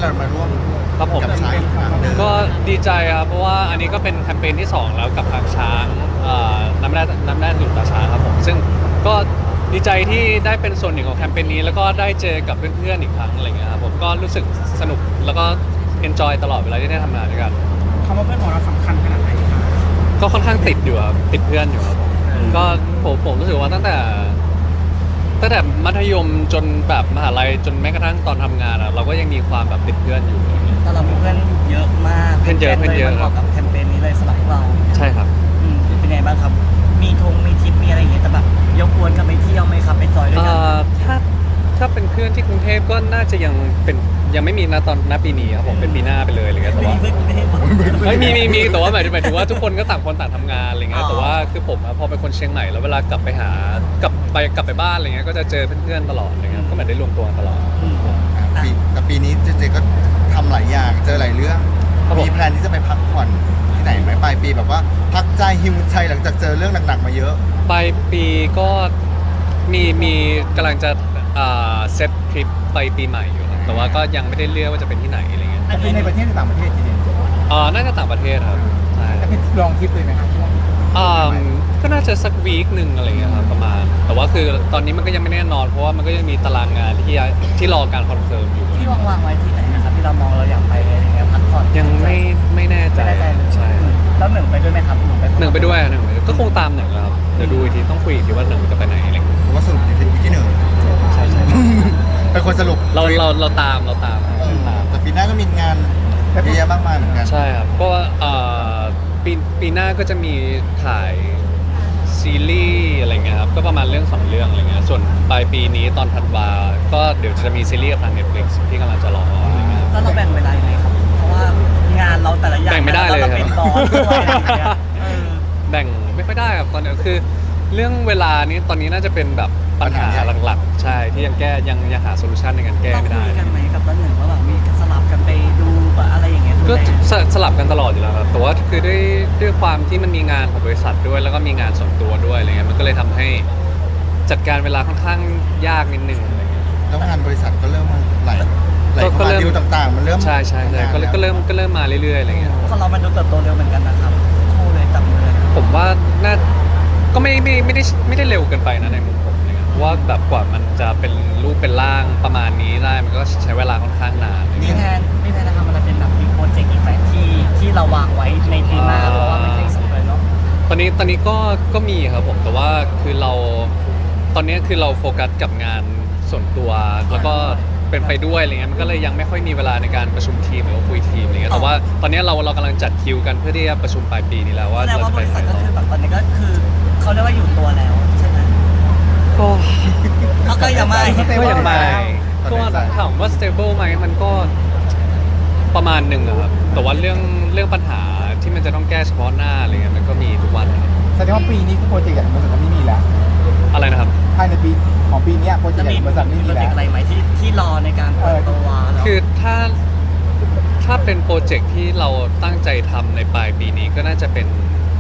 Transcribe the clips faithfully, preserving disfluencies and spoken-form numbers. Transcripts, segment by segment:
เรามาร่วมครับผมกับช้างอีกครั้งหนึ่งก็ดีใจครับเพราะว่าอันนี้ก็เป็นแคมเปญที่สองแล้วกับทางช้างเอ่อน้ำแร่น้ำแร่ดื่มตาช้างครับผมซึ่งก็ดีใจที่ได้เป็นส่วนหนึ่งของแคมเปญนี้แล้วก็ได้เจอกับเพื่อนๆอีกครั้งอะไรเงี้ยครับผมก็รู้สึกสนุกแล้วก็เอนจอยตลอดเวลาที่ได้ทำงานด้วยกันคำว่าเพื่อนของเราสำคัญขนาดไหนครับก็ค่อนข้างติดอยู่ครับติดเพื่อนอยู่ครับผมก็ผมผมรู้สึกว่าตั้งแต่ตั้งแต่มัธยมจนแบบมหาลัยจนแม้กระทั่งตอนทำงานอะเราก็ยังมีความแบบติดเพื่อนอยู่แต่เรามีเพื่อนเยอะมากเพื่อนเยอะเพื่อนเยอะประกอบกับแคมเปญนี้เลยสำหรับพวกเราใช่ครับอืมเป็นไงบ้างครับ มีทงมีทริปมีอะไรอย่างเงี้ยแต่แบบยกกวนกันไปเที่ยวไหมครับไปจอยด้วยเอ่กันอถ้าถ้าเป็นเพื่อนที่กรุงเทพก็น่าจะยังเป็นยังไม่มีนะตอนณปีนี้ครับผมเป็นปีหน้าไปเลยอะไรเงี้ยแต่ว่าไม่ไม่ไม่เฮ้ยมีมีมีแต่ว่าหมายถึงหมายถึงว่าทุกคนก็ต่างคนต่างทำงานอะไรเงี้ยอ๋อแต่ว่าคือผมอะพอเป็นคนเชียงใหม่แล้วเวลากลับไปหากลับไปกลับไปบ้านอะไรเงี้ยก็จะเจอเพื่อนๆตลอดอะไรเงี้ยก็เหมือนได้รวมตัวกันตลอดอืมปีแต่ปีนี้เจเจก็ทำหลายอย่างเจอหลายเรื่องครับผมมีแพลนที่จะไปพักผ่อนที่ไหนไหมปลายปีแบบว่าพักใจฮิวใจหลังจากเจอเรื่องหนักๆมาเยอะปลายปีก็มีมีกำลังจะอ่าเซตทริปไปปีใหม่อยู่ครับแต่ว่าก็ยังไม่ได้เลือกว่าจะเป็นที่ไหนอะไรเงี้ยจะเป็นในประเทศหรือต่างประเทศทีเดียวอ่าน่าจะต่างประเทศครับใช่จะเป็นลองทริปเลยไหมครับอ่าก็น่าจะสักวีคหนึ่งอะไรเงี้ยครับประมาณ แต่ว่าคือตอนนี้มันก็ยังไม่แน่นอนเพราะว่ามันก็ยังมีตารางงานที่ที่รอการคอนเฟิร์มอยู่ที่วางวางๆไว้ที่ไหนนะครับที่เรามองเราอยากไปอะไรเงี้ยพักผ่อนยังไม่ไม่แน่ใจไม่แน่ใจเลยใช่อืมแล้วหนึ่งไปด้วยไหมครับหนึ่งไปหนึ่งไปด้วยหนึ่งไปด้วยก็คงตามหนึ่งแหละครับเดี๋ยวดูอีกทีต้องคุยอีกทีว่าหนึ่งจะไปไหนอะไรเงี้ยผมว่าสรุปอยู่ที่ที่หนึ่งใช่ใช่เป็นคนสรุปเราเราเราตามเราตามเออตามแต่ปีหน้าก็มีงานเยอะแยะมากมายเหมือนกันใช่ครับก็เอ่อปีปีหน้าก็จะมีถ่ายซีรีส์อะไรเงี้ยครับก็ประมาณเรื่องสองเรื่องอะไรเงี้ยส่วนปลายปีนี้ตอนธันวาก็เดี๋ยวจะมีซีรีส์กับทาง Netflix ที่กำลังจะรออะไรเงี้ยครับแล้วเราแบ่งเวลายังไงครับ เพราะว่างานเราแต่ละอย่างแบ่งไม่ได้เลยเราเป็นบอสด้วยอะไรอย่างเงี้ยเออแบ่งไม่ค่อยได้ครับตอนนี้คือเรื่องเวลานี้ตอนนี้น่าจะเป็นแบบปัญหาปัญหาใหญ่หลักๆ ใช่ที่ยังแก้ยังยังหาโซลูชันในการแก้เราไม่คุได้ยกันไหมกับต้นหนึ่งว่าแบบมีสลับกันไปดูแบบอะไรอย่างเงี้ยดูก็แลสสลับกันตลอดอยู่แล้วครับแต่ว่าคือด้วยด้วยความที่มันมีงานของบริษัทด้วย แล้วก็มีงานส่วนตัวด้วยอะไรเงี้ยมันก็เลยทำให้จัดการเวลาค่อนข้างยากนิดนึงอะไรเงี้ยแล้วงานบริษัทก็เริ่มมาไหลไหลก็เข้าก็มาเริ่มดิวต่างๆ มันเริ่มใช่ใช่ใช่ก็เลยก็เริ่มก็เริ่มมาเรื่อยๆอะไรเงี้ยคนเรามันดูเติบโตเร็วเหมือนกันนะครับคู่เลยจับมือเลยผมว่าน่าก็ไม่ไม่ไม่ได้ไม่ได้เร็วเกินไปนะในมุมผมอะไรเงี้ยเพราะว่าแบบกว่ามันจะเป็นรูปเป็นร่างประมาณนี้ได้มันก็ใช้เวลาค่อนข้างนานอะไรมีเงี้ยแทนมีแทนนะครับมันเป็นแบบมีโปรเจกต์อีกไหมที่ที่เราวางไว้ในปีหน้าอ่าเพราะว่ามันใกล้สุดเลยเนาะตอนนี้ตอนนี้ก็ก็มีครับผมแต่ว่าคือเราตอนนี้คือเราโฟกัสกับงานส่วนตัวแล้วก็เป็นไปด้วยอะไรเงี้ยมันก็เลยยังไม่ค่อยมีเวลาในการประชุมทีมหรือว่าคุยทีมอะไรเงี้ยแต่ว่าตอนนี้เราเรากำลังจัดคิวกันเพื่อที่จะประชุมปลายปีนี้แล้วว่าแสดงเราว่าจะบไปริไหนษัทก็ต่อคือแบบตอนนี้ก็คือเขาเรียกว่าอยู่ตัวแล้วใช่ไหมก็เขาก็ยังไม่ก็ยังไม่ตอนก็นี้ใส่ถามว่า stable ไหมมันก็ประมาณหนึ่งอะครับแต่ว่าเรื่องเรื่องปัญหาที่มันจะต้องแก้เฉพาะหน้าอะไรเงี้ยมันก็มีทุกวันนะครับแสดงว่าปีนี้คือโปรเจกต์ใหญ่ของบริษัทไม่มีแล้วอะไรนะครับภายในปีของปีเนี้ยโปรเจกจะต์ใหญ่มีของบริษัทไม่มีมีโปรเจแล้กวต์อะไรไหมที่ที่รอในการเปิดตัวแล้วคือถ้าถ้าเป็นโปรเจกต์ที่เราตั้งใจทำในปลายปีนี้ก็น่าจะเป็น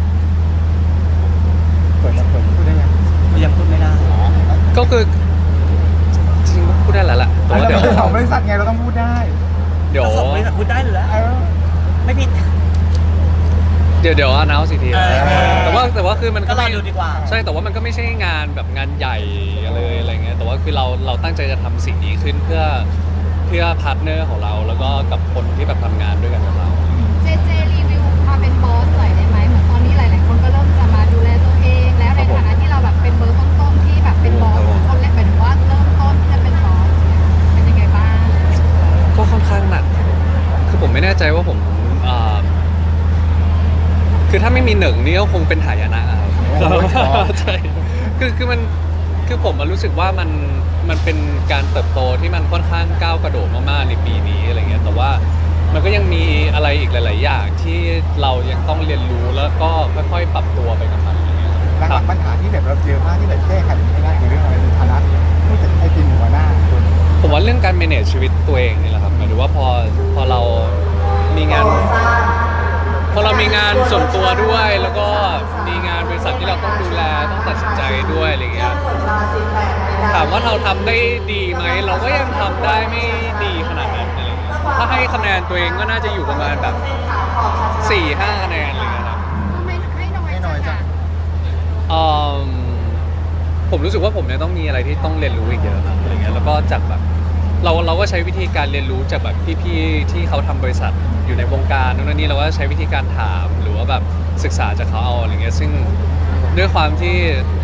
เปิดมาเปิดพูดได้ยังยังพูดไม่ได้ก็คือจริงๆพูดได้แล้วล่ะแต่เราว่าเดี๋ยวเป็นของบริษัทไงเราต้องพูดได้เดี๋ยวเจ้าของบริษัทพูดได้หรือแล้วเออไม่ผิดเดี๋ยวเดี๋ยวอนาสิทีเออแต่ว่าแต่ว่าคือมันก็ก็รอไม่ดูดีกว่าใช่แต่ว่ามันก็ไม่ใช่งานแบบงานใหญ่เลยอะไรเงี้ยแต่ว่าคือเราเราตั้งใจจะทำสิ่งนี้ขึ้นเพื่อเพื่อพาร์ทเนอร์ของเราแล้วก็กับคนที่แบบทำงานด้วยกันกับเราเจเจรีวิวความเป็นบอสหน่อยได้ไหมเหมือนตอนนี้หลาย ๆ คนก็เริ่มจะมาดูแลตัวเอง แล้วในฐานะที่เราแบบเป็นเบอร์ต้น ๆ ที่แบบเป็นบอสคนแรกหมายถึงว่าเริ่มต้นที่จะเป็นบอสเนี่ยเป็นยังไงบ้างก็ค่อนข้างหนัก คือผมไม่แน่ใจว่าผมอ่าคือถ้าไม่มีหนึ่งนี่ก็คงเป็นหายนะครับ ใช่ คือคือมัน คือผมมารู้สึกว่ามัน มันเป็นการเติบโตที่มันค่อนข้างก้าวกระโดดมากๆในปีนี้อะไรเงี้ย แต่ว่ามันก็ยังมีอะไรอีกหลาย ๆ อย่างที่เรายังต้องเรียนรู้แล้วก็ค่อยๆ ปรับตัวไปกับมันอะไรเงี้ยหลัครักบๆปัญหาที่แบบเราเจอมากที่แบบแก้ไขไม่ได้คือเรื่องอะไรในฐานะผู้จัดให้เป็นหัวหน้าคนผมว่าเรื่องการ manage ชีวิตตัวเองนี่แหละครับหมายถึงว่าพอ พอเรามีงาน พอเรามีงานส่วนตัวด้วย แล้วก็มีงานบริษัทที่เราต้องดูแลต้องตัดสินใจด้วยอะไรเงี้ยถามว่าเราทำได้ดีไหมเราก็ยังทำได้ไม่ดีขนาดนั้นอะไรเงี้ยถ้าให้คะแนนตัวเองก็น่าจะอยู่ประมาณแบบสี่ห้าคะแนนอะไรเงี้ยครับก็ไม่ไม่น้อยไม่น้อยจังเอิ่มผมรู้สึกว่าผมเนี่ยต้องมีอะไรที่ต้องเรียนรู้อีกเยอะครับอะไรเงี้ยแล้วก็จากแบบเราเราก็ใช้วิธีการเรียนรู้จากแบบพี่ๆที่เขาทำบริษัทอยู่ในวงการนู่นนนนี่เราก็ใช้วิธีการถามหรือว่าแบบศึกษาจากเขาเอาอะไรเงี้ยซึ่งด้วยความที่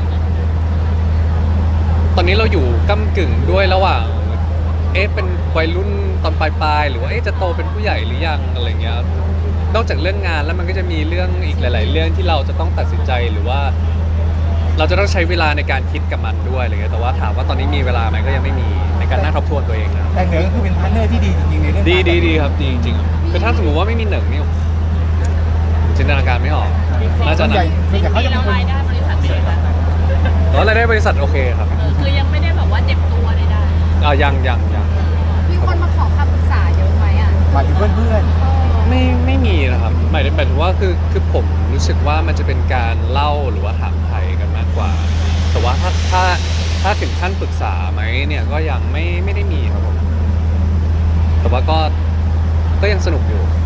ตอนนี้เราอยู่ก้ำกึ่งด้วยระหว่าง เอ๊ะเป็นวัยรุ่นตอนปลายๆหรือว่าเอ๊ะจะโตเป็นผู้ใหญ่หรือยังอะไรเงี้ยนอกจากเรื่องงานแล้วมันก็จะมีเรื่องอีกหลาย ๆ เรื่องที่เราจะต้องตัดสินใจหรือว่า เราจะต้องใช้เวลาในการคิดกับมันด้วยอะไรเงี้ยแต่ว่าถามว่าตอนนี้มีเวลาไหมก็ยังไม่มีในการนั่งทบทวนตัวเองนะแต่เหนือก็คือเป็นพาร์ทเนอร์ที่ดีจริงๆในเรื่องดีการดีดีครับดีจริงๆคือถ้าสมมติว่าไม่มีหนึ่งนี่จินตนาการไม่ออกน่าจะส่วนหใหนัญ่กส่วนใหญ่เขาจะเป็นคนรายได้บริษัทเป็นไงบ้างแต่ว่ารายได้บริษัทโอเคครับเออคือยังไม่ได้แบบว่าเจ็บตัวใดอ่ายังยังยังมีคนมาขอคำปรึกษาเยอะไหมอ่ะหมายถึงเพื่อนเออไม่ไม่มีนะครับหมายถึงหมายถึงว่าคือคือผมรู้สึกว่ามันจะเป็นการเล่าหรือว่าถามไถ่กันมากกว่า แต่ว่าถ้าถ้าถ้าถึงขั้นปรึกษาไหมเนี่ยก็ยังไม่ไม่ได้มีครับผมแต่ว่าก็ก็ยังสนุกอยู่